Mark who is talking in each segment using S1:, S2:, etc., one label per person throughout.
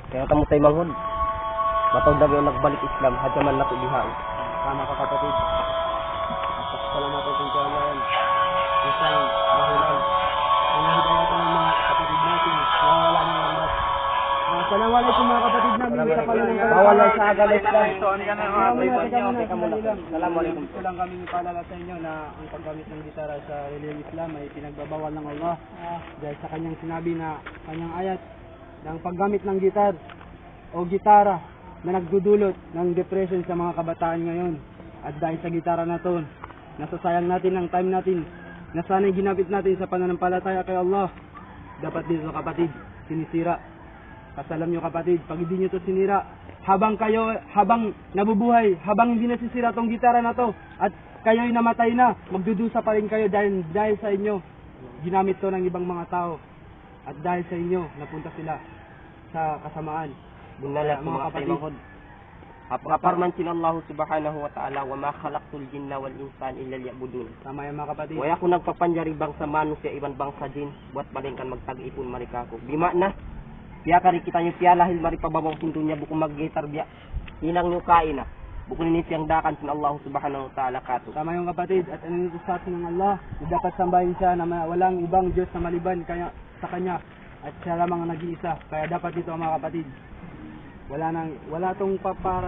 S1: Kaya kamo tay manghod. Matawag daw yung nagbalik Islam, hadya man nato diha.
S2: Tama ka kapatid. Salamat po kung kailan. Isang dahilan. Hinahidayatan ng mga kapatid natin. Wala na lang. Assalamualaikum mga kapatid namin.
S1: Bawal lang sa agad Islam.
S2: Assalamualaikum. Gusto lang kami ipaalala sa inyo na ang paggamit ng gitara sa reliyong Islam ay pinagbabawal ng Allah. Dahil sa kanyang sinabi na kanyang ayat na ang paggamit ng gitar o gitara na nagdudulot ng depression sa mga kabataan ngayon. At dahil sa gitara na to, nasasayang natin ang time natin na sana'y ginamit natin sa pananampalataya kay Allah. Dapat dito kapatid, sinisira. Kasalam nyo kapatid, pag hindi nyo to sinira, habang nabubuhay, habang hindi nasisira tong gitara na to, at kayo'y namatay na, magdudusa pa rin kayo dahil sa inyo, ginamit to ng ibang mga tao. At dahil sa inyo, napunta sila sa kasamaan.
S1: Bunala mga kapatid. Aparman sila Allah subhanahu wa ta'ala wa ma khalaqtul jinna wal insan illa liya'budun.
S2: Tama yan mga kapatid.
S1: Waya ko nagpapanjari bangsa manusia iban bangsa jin buat balingkan magtag-ipon marikako. Di makna piya kari kita nyo piya lahil maripababaw pintunya buku mag-gitar biya. Inang nyo kain na. Buku nini siyang dakan sin Allah subhanahu wa ta'ala kato.
S2: Tama yung kapatid at ano nito sa atin ng Allah na dapat sambahin siya na walang ibang Diyos na maliban kaya sa kanya at siya lamang ang nag-iisa. Kaya dapat dito mga kapatid. Wala tong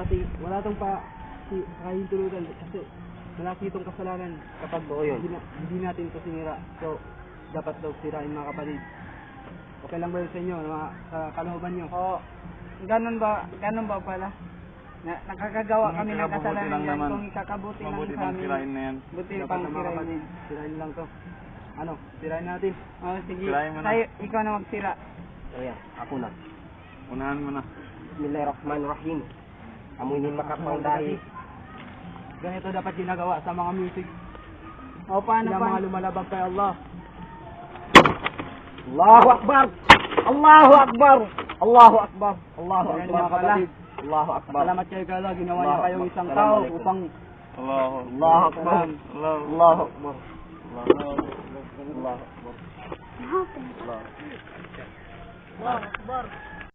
S2: kahintulutan kasi malaki itong kasalanan kapag hindi natin ito sinira. So, dapat daw sirain mga kapatid. Okay lang ba yun sa inyo, sa kalooban nyo?
S3: Oo. Ganun ba pala? Nakakagawa kami ng kasalanan yan kung ikakabuti lang sa amin.
S4: Sirain na yan.
S3: Buti
S2: Dapat
S3: pang
S2: na mga
S3: sirain
S2: kapatid,
S3: yan.
S2: sirain lang to. Ano, sirain natin.
S3: Oo, sige.
S4: Sirain mo na.
S3: Tayo, ikaw na magsira.
S1: Ayan, ako na.
S4: Unahan mo na.
S1: Bismillahirrahmanirrahim. Amoy ni makapangdahi.
S2: Ganito dapat ginagawa sa mga music.
S3: O paano
S2: Sila mga lumalabag kay Allah.
S1: Allahu Akbar! Allahu Akbar! Allahu Akbar! Allahu
S2: Ayan
S1: Akbar!
S2: mga kapatid.
S1: Allahu Akbar!
S2: Salamat kayo kay Allah. Ginawa niya
S1: Allahu
S2: kayong
S1: Akbar.
S2: isang tao
S1: Assalamualaikum.
S2: upang
S4: Allahu
S1: Allahu Akbar!
S4: Allahu
S1: Allahu Akbar! Allahu Akbar! Allahu Akbar!
S3: Allahu Akbar.